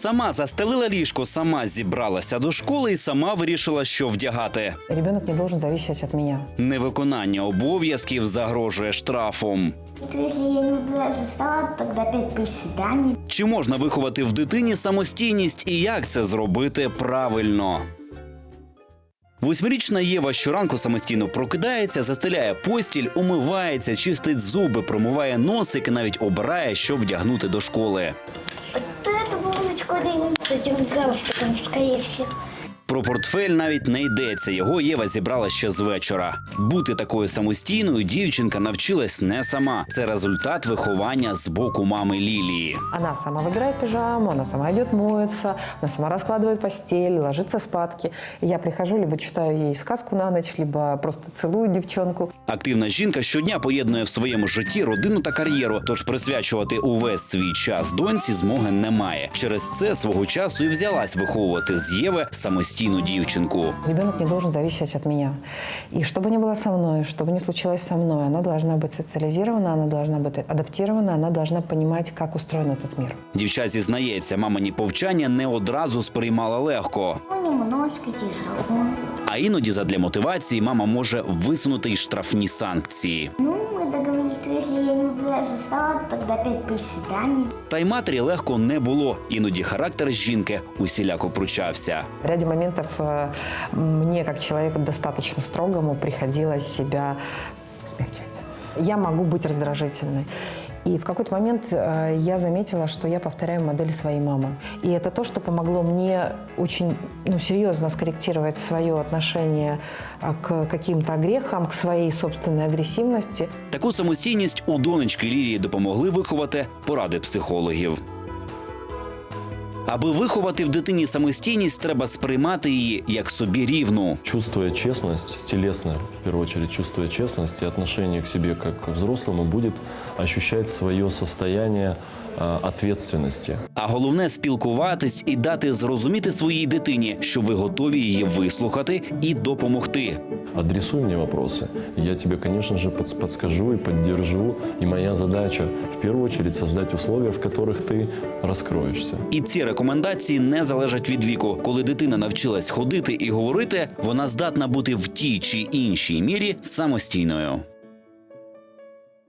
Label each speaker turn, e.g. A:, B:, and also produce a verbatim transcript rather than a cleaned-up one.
A: Сама застелила ліжко, сама зібралася до школи і сама вирішила, що вдягати.
B: Ребенок не должен зависеть от меня.
A: Невиконання обов'язків загрожує штрафом.
C: Если я не убираюсь за стола, тогда опять присідання.
A: Чи можна виховати в дитині самостійність і як це зробити правильно? Восьмирічна Єва щоранку самостійно прокидається, застеляє постіль, умивається, чистить зуби, промиває носик і навіть обирає, що вдягнути до школи.
C: Вот эту блузочку оденем с этим галстуком, скорее всего.
A: Про портфель навіть не йдеться. Його Єва зібрала ще з вечора. Бути такою самостійною дівчинка навчилась не сама. Це результат виховання з боку мами Лілії.
B: Она сама выбирает пижаму, она сама идет моется, она сама раскладывает постель, ложится спадки. Я прихожу, либо читаю ей сказку на ночь, либо просто целую девчонку.
A: Активна жінка щодня поєднує в своєму житті родину та кар'єру, тож присвячувати увесь свій час доньці змоги немає. Через це свого часу і взялась виховувати з Єви самостійну дівчинку.
B: Ребенок не должен зависеть от меня. И что бы ни было со мной, что бы ни случилось со мной, она должна быть социализирована, она должна быть адаптирована, она должна понимать, как устроен этот мир.
A: Дівча зізнається, мамині повчання не одразу сприймала легко.
C: Ну, немножко тяжело.
A: А іноді задля мотивації мама може висунути й штрафні санкції.
C: Ну, мы договорились, что если я не убираюсь за стола, тогда опять присідання.
A: Та й матері легко не було. Іноді характер жінки усіляко пручався.
B: В ряде моментов э, мне, как человеку достаточно строгому, приходилось себя смягчать. Я могу быть раздражительной. И в какой-то момент э, я заметила, что я повторяю модель своей мамы. И это то, что помогло мне очень ну, серьезно скорректировать свое отношение э, к каким-то грехам, к своей собственной агрессивности.
A: Таку самостійність у донечки Лілії допомогли виховати поради психологів. Аби виховати в дитині самостійність, треба сприймати її як собі рівну.
D: Чувствуя честность, телесно, в первую очередь, чувствуя честность и отношение к себе как к взрослому, будет ощущать свое состояние э, ответственности.
A: А головне – спілкуватись і дати зрозуміти своїй дитині, що ви готові її вислухати і допомогти.
D: Адресуй мне вопросы, я тебе, конечно же, подс- подскажу и поддержу. И моя задача, в первую очередь, создать условия, в которых ты раскроешься.
A: І ці рекомендації не залежать від віку. Коли дитина навчилась ходити і говорити, вона здатна бути в тій чи іншій мірі самостійною.